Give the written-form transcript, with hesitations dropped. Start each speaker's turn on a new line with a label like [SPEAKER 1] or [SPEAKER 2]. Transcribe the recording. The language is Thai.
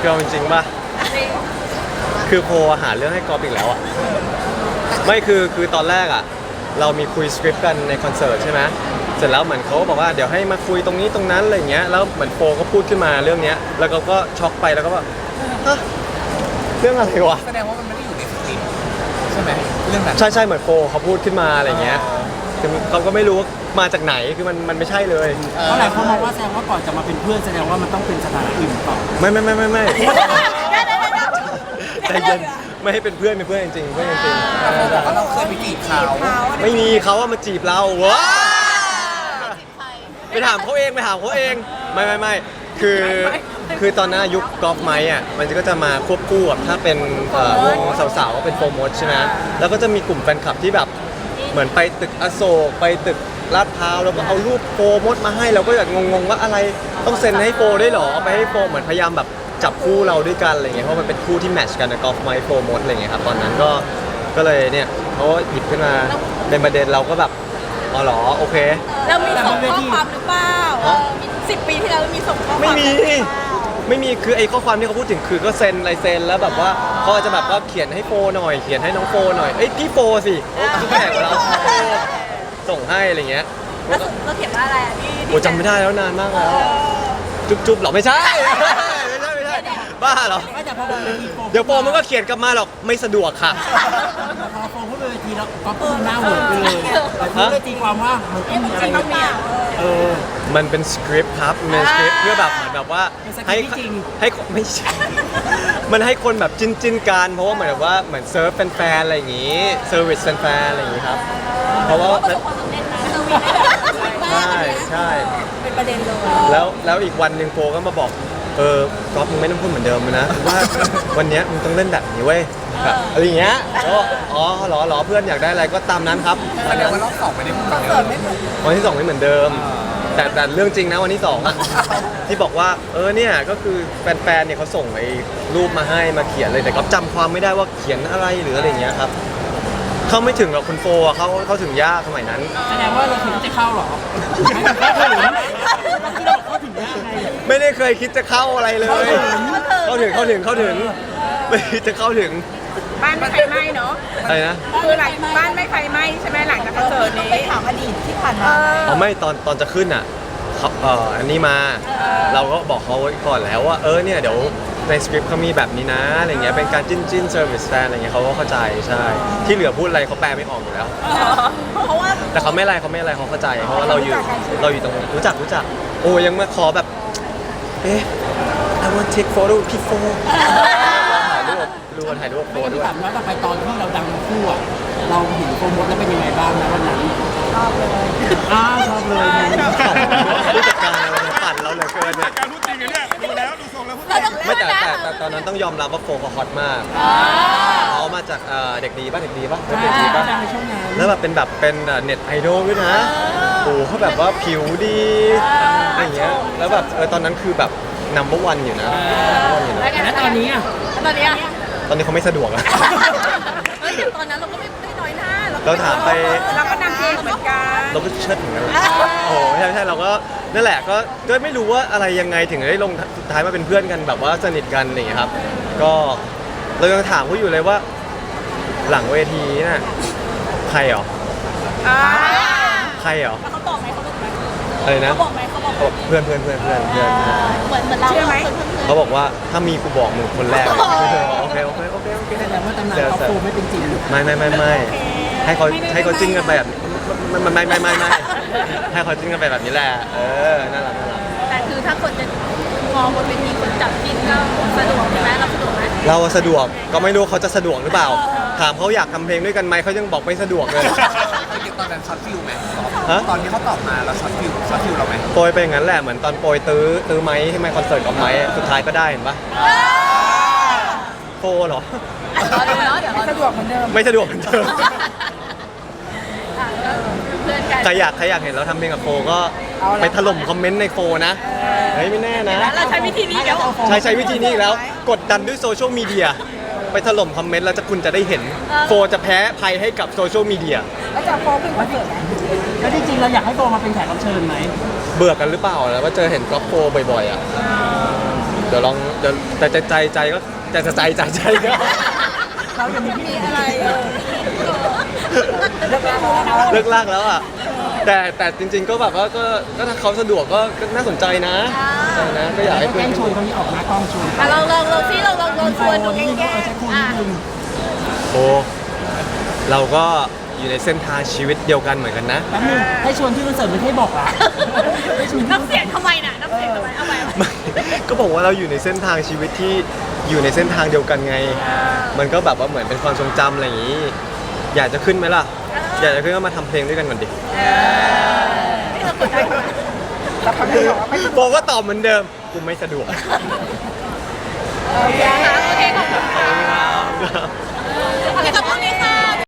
[SPEAKER 1] คือเอาจริงๆป่ะคือโพหาเรื่องให้กอล์ฟอีกแล้วอ่ะไม่คือตอนแรกอ่ะเรามีคุยสคริปต์กันในคอนเสิร์ตใช่ไหมเสร็จแล้วเหมือนเขาบอกว่าเดี๋ยวให้มาคุยตรงนี้ตรงนั้นอะไรเงี้ยแล้วเหมือนโฟก็พูดขึ้นมาเรื่องเนี้ยแล้วก็ช็อกไปแล้วก็ว่าฮะเรื่องอะไรวะ
[SPEAKER 2] แสดงว่ามันไม่ได้อยู่ในสคริปต์ใช่ไหมเรื่องนั้น
[SPEAKER 1] ใช่เหมือนโฟเขาพูดขึ้นมาอะไรเงี้ยคือเขาก็ไม่รู้ว่ามาจากไหนคือมันไม่ใช่เลย
[SPEAKER 3] เพราะหลายคนมองว่าแสดงว่าก่อนจะมาเป็นเพื่อนแสดงว่ามันต้องเป็นสถานะอื่นหรือเปล่า
[SPEAKER 1] ไม่ใจเย็นไม่ให้เป็นเพื่อนจริงๆเพื่อนจริง
[SPEAKER 2] แต่โฟบอกว่าเราเคยไปจีบเขา
[SPEAKER 1] ๆไม่มีเขาว่ามาจีบเราว้าไปถามเขาเองไม่คือตอนนั้นยุคกอล์ฟไมค์อ่ะมันก็จะมาควบคู่กับถ้าเป็นวงสาวๆก็เป็นโฟร์มดใช่ไหมแล้วก็จะมีกลุ่มแฟนคลับที่แบบเหมือนไปตึกอโศกไปตึกลาดพร้าวแล้วก็เอารูปโฟร์มดมาให้เราก็อยากงงว่าอะไรต้องเซ็นให้โฟร์ด้วยหรอไปให้โฟร์เหมือนพยายามแบบจับคู่เราด้วยกันอะไรเงี้ยเพราะมันเป็นคู่ที่แมทช์กันนะกอล์ฟไมค์โฟร์มดอะไรเงี้ยครับตอนนั้นก็เลยเนี่ยเขาหยิบขึ้นมาเป็นประเด็นเราก็แบบอ๋อเหรอโอเค
[SPEAKER 4] เรามีส่งข้อความหรือเปล่า10 ปีที่แล้วมีส่งข้อความ
[SPEAKER 1] ไม่มีคือไอ้ข้อความที่เขาพูดถึงคือก็เซ็นลายเซ็นแล้วแบบว่าเขาอาจจะแบบว่าเขียนให้โฟหน่อยเขียนให้น้องโฟหน่อยเอ้ยพี่โฟสิคือแข่งกับเราส่งให้อะไรเงี้ย
[SPEAKER 4] แล้วเราเขียนว่าอะไรอ่ะพี่
[SPEAKER 1] โอ้จำไม่ได้แล้วนานมากแล้วจุ๊บหรอไม่ใช่บ้าเหรอ
[SPEAKER 3] ไม่แต่พอเป็นเวทีโฟ
[SPEAKER 1] เดี๋ยวโฟมันก็เขียนกลับมาหรอกไม่สะดวกค่ะ
[SPEAKER 3] พอโฟพูดเป็นเวทีแล้วก็พูดหน้าเหมือนไปเลยแต่พูดเลยตีความว่ามันต้องมีอะไร
[SPEAKER 4] ต้องมี
[SPEAKER 1] มันเป็นสคริปต์ครับมันเป็นสคริปต์เพื่อแบบเหมือนแบบว่าให้ไม่ใช่ มันให้คนแบบจิ้นกันเพราะว่าเหมือนแบบว่าเหมือนเซิร์ฟแฟนๆอะไรอย่างงี้เซอร์วิสแฟนๆอะไรอย่างงี้ครับเพราะว่า
[SPEAKER 4] ประสบความสำเร็จนะเซอร์วิสได้แบบ
[SPEAKER 1] ใช่
[SPEAKER 4] เป็นประเด็นเลย
[SPEAKER 1] แล้วอีกวันหนึ่งโฟก็มาบอกก๊อฟมึงไม่ต้องพูดเหมือนเดิมนะว่าวันเนี้ยมึงต้องเล่นแบบนี้เว้ยแบบอะไรอย่างเงี้ยแล้วอ๋อเหรอเพื่อนอยากได้อะไรก็ตามนั้นครับ
[SPEAKER 2] แสดงว่ารอบสองไม่ได้พูดเหมือนเดิม
[SPEAKER 1] วันที่2ไม่เหมือนเดิมแต่เรื่องจริงนะวันที่2อะที่บอกว่าเนี่ยก็คือแฟนๆเนี่ยเขาส่งไอ้รูปมาให้มาเขียนเลยแต่ก็จำความไม่ได้ว่าเขียนอะไรหรืออะไรอย่างเงี้ยครับเขาไม่ถึงหรอกคุณโฟอะเขาถึงยากสมัยนั้น
[SPEAKER 3] แสดงว่าเราคิดว่าจะเข้าหรอเราคิดว่าเขาถึงยากไง
[SPEAKER 1] ไม่ได้เคยคิดจะเข้าอะไรเลยเข้าถึงไม่คิดจะเข้าถึง
[SPEAKER 5] บ้านไม่ไฟไหม้เนาะ
[SPEAKER 1] อะไรนะ
[SPEAKER 5] คือหลังบ้านไม่ไฟไหม้ใช่ไหมหลังจากคอนเสิร์ตนี้
[SPEAKER 4] ไปถามอดีตที่ผ่านมา
[SPEAKER 1] เอาไม่ตอนจะขึ้นอ่ะเขาอันนี้มาเราก็บอกเขาไว้ก่อนแล้วว่าเนี่ยเดี๋ยวในสคริปต์เขามีแบบนี้นะอะไรเงี้ยเป็นการจิ้นเซอร์วิสแฟนอะไรเงี้ยเขาก็เข้าใจใช่ที่เหลือพูดอะไรเขาแปลไม่ออกอยู่แล้ว
[SPEAKER 4] เพราะว่า
[SPEAKER 1] แต่เขาไม่อะไรเขาเข้าใจเพราะว่าเราอยู่ตรงรู้จักโอ้ยังมาขอแบบI want take photo พี่โฟถ่ายรูปโฟ
[SPEAKER 3] ไม่
[SPEAKER 1] ด้
[SPEAKER 3] ได้
[SPEAKER 1] วย
[SPEAKER 3] ถามว่าต่อไปตอนที่เราดังคู่อ่ะเราเห็นโฟมดแล้วเป็นยังไงบ้างนะวันนั้นชอบเลย
[SPEAKER 1] ผู้จัดการอะไรปั่นเราเหลือเกินเนี่ย
[SPEAKER 2] การพูดจริงเนี่ยดูแล้วดูทรงแล้วพูด
[SPEAKER 4] เราต้อง
[SPEAKER 1] ไม่แต่ตอนนั้นต้องยอมรับว่าโฟเขาฮอตมากเขามาจากเด็กดีป่ะเด็กดีป่ะ
[SPEAKER 3] ดังในช่วงนั้น
[SPEAKER 1] แล้วแบบเป็นเน็ตไอดอลด้วยนะโอ้เขาแบบว่าผิวดีอะไรเงี้ยแล้วแบบตอนนั้นคือแบบnumber one อยู่นะ
[SPEAKER 3] แล้วตอนนี้อ่ะ
[SPEAKER 4] ตอนนี้
[SPEAKER 1] ตอนนี้เขาไม่สะดวกอะ
[SPEAKER 4] เฮ้ยตอนนั้นเราก็ไม่น้อยหน้า
[SPEAKER 1] เราถามไป
[SPEAKER 5] เราก็นำเพลงเหมือนกัน
[SPEAKER 1] เราก็เชิดเหมือนกันแหละโอ้ใช่เราก็นั่นแหละก็ไม่รู้ว่าอะไรยังไงถึงได้ลงสุดท้ายมาเป็นเพื่อนกันแบบว่าสนิทกันอะไรอย่างเงี้ยครับก็เรายังถามเขาอยู่เลยว่า หลังเวทีน่ะใครเหรอใครเหรอ
[SPEAKER 4] เขาบอกไหม
[SPEAKER 1] อะไรนะ
[SPEAKER 4] เขาบอกไหม
[SPEAKER 1] เขาบอกเพื่อน
[SPEAKER 4] เหมือนเรา
[SPEAKER 5] เชื่อไหม
[SPEAKER 1] เขาบอกว่าถ้ามีกูบอกมึงคนแรกโอเค
[SPEAKER 3] แสดงว่าตำนานเขาโฟไม่เป็นจริง
[SPEAKER 1] ไม่ให้เขาจิ้นกันไปแบบไม่ให้เขาจิ้นกันไปแบบนี้แหละน่ารัก
[SPEAKER 4] แต่คือถ้าคนจะมองบนเวทีคนจับจิ้นก็สะดวกใช่ไหมเราสะดวกไหม
[SPEAKER 1] เราสะดวกก็ไม่รู้เขาจะสะดวกหรือเปล่าถามเขาอยากทำเพลงด้วยกันไหมเขายังบอกไม่สะดวกเลย
[SPEAKER 2] ตอนนั้นช็อตฟิลไหม
[SPEAKER 1] ฮะ
[SPEAKER 2] ตอนที่เขาตอบมาแล้วช็อตฟิลเราไหม
[SPEAKER 1] โปรยไปอย่างนั้นแหละเหมือนตอนโปรยตื้อไม้ให้ไมค์คอนเสิร์ตกับไม้สุดท้ายก็ได้เห็นปะโฟเหรอ
[SPEAKER 4] เดี๋ยว
[SPEAKER 5] สะดวกเหมือนเดิม
[SPEAKER 1] ไม่สะดวกเหมือนเดิม
[SPEAKER 4] เพื่อนกัน
[SPEAKER 1] ใครอยากเห็นเราทำเพลงกับโฟก็ไปถล่มคอมเมนต์ในโฟนะเฮ้ยไม่แน่นะ
[SPEAKER 4] เราใช้วิธีนี้แล้ว
[SPEAKER 1] ใช้วิธีนี้อีกแล้วกดดันด้วยโซเชียลมีเดียไปถล่มคอมเมนต์แล้วคุณจะได้เห็นโฟจะแพ้ภัยให้กับโซเชียลมีเดีย
[SPEAKER 5] แล้วจะโฟขึ้นคอนเสิร์ตไหม
[SPEAKER 3] แล้วจริงๆเราอยากให้โฟมาเป็นแขกรับเชิญไหม
[SPEAKER 1] เบื่อกันหรือเปล่าแล้วว่าเจอเห็นกอล์ฟโฟบ่อยๆอ่ะเดี๋ยวลองเดี๋ยวแต่ใจก็แต่ใจก็
[SPEAKER 3] เรายังมีพี่อะไร
[SPEAKER 1] เลิกลากแล้วอ่ะแต่จริงๆก็แบบว่าก็ถ้าเขาสะดวกก็น่าสนใจนะใช่นะก็อยากให้
[SPEAKER 3] แก
[SPEAKER 1] เพื่อ
[SPEAKER 3] ล้
[SPEAKER 1] น
[SPEAKER 3] งชวนคนนี้ออกมากล้องชวน
[SPEAKER 4] ลองพี่ลองชวนดู
[SPEAKER 3] นิดนึงใช้คู่นิดนึง
[SPEAKER 1] โอ้เราก็อยู่ในเส้นทางชีวิตเดียวกันเหมือนกันนะ
[SPEAKER 3] แป๊บนึงให้ชวนที่คอนเสิร์ตไม่ให้บอกละให้ชวนที่
[SPEAKER 4] น้ำเสียงทำไมน่ะน้ำเสียงทำไมเอาไป
[SPEAKER 1] ไม่ก็บอกว่าเราอยู่ในเส้นทางชีวิตที่อยู่ในเส้นทางเดียวกันไง มันก็แบบว่าเหมือนเป็นความทรงจำอะไรอย่างนี้ อยากจะขึ้นไหมล่ะ อยากจะขึ้นก็มาทำเพลงด้วยกันก่อนดิ
[SPEAKER 4] นี่เรากดได้ไหม
[SPEAKER 1] บอกว่าตอบเหมือนเดิมกูไม่สะดวก
[SPEAKER 4] โอเคขอบคุณค่ะ
[SPEAKER 1] ครับ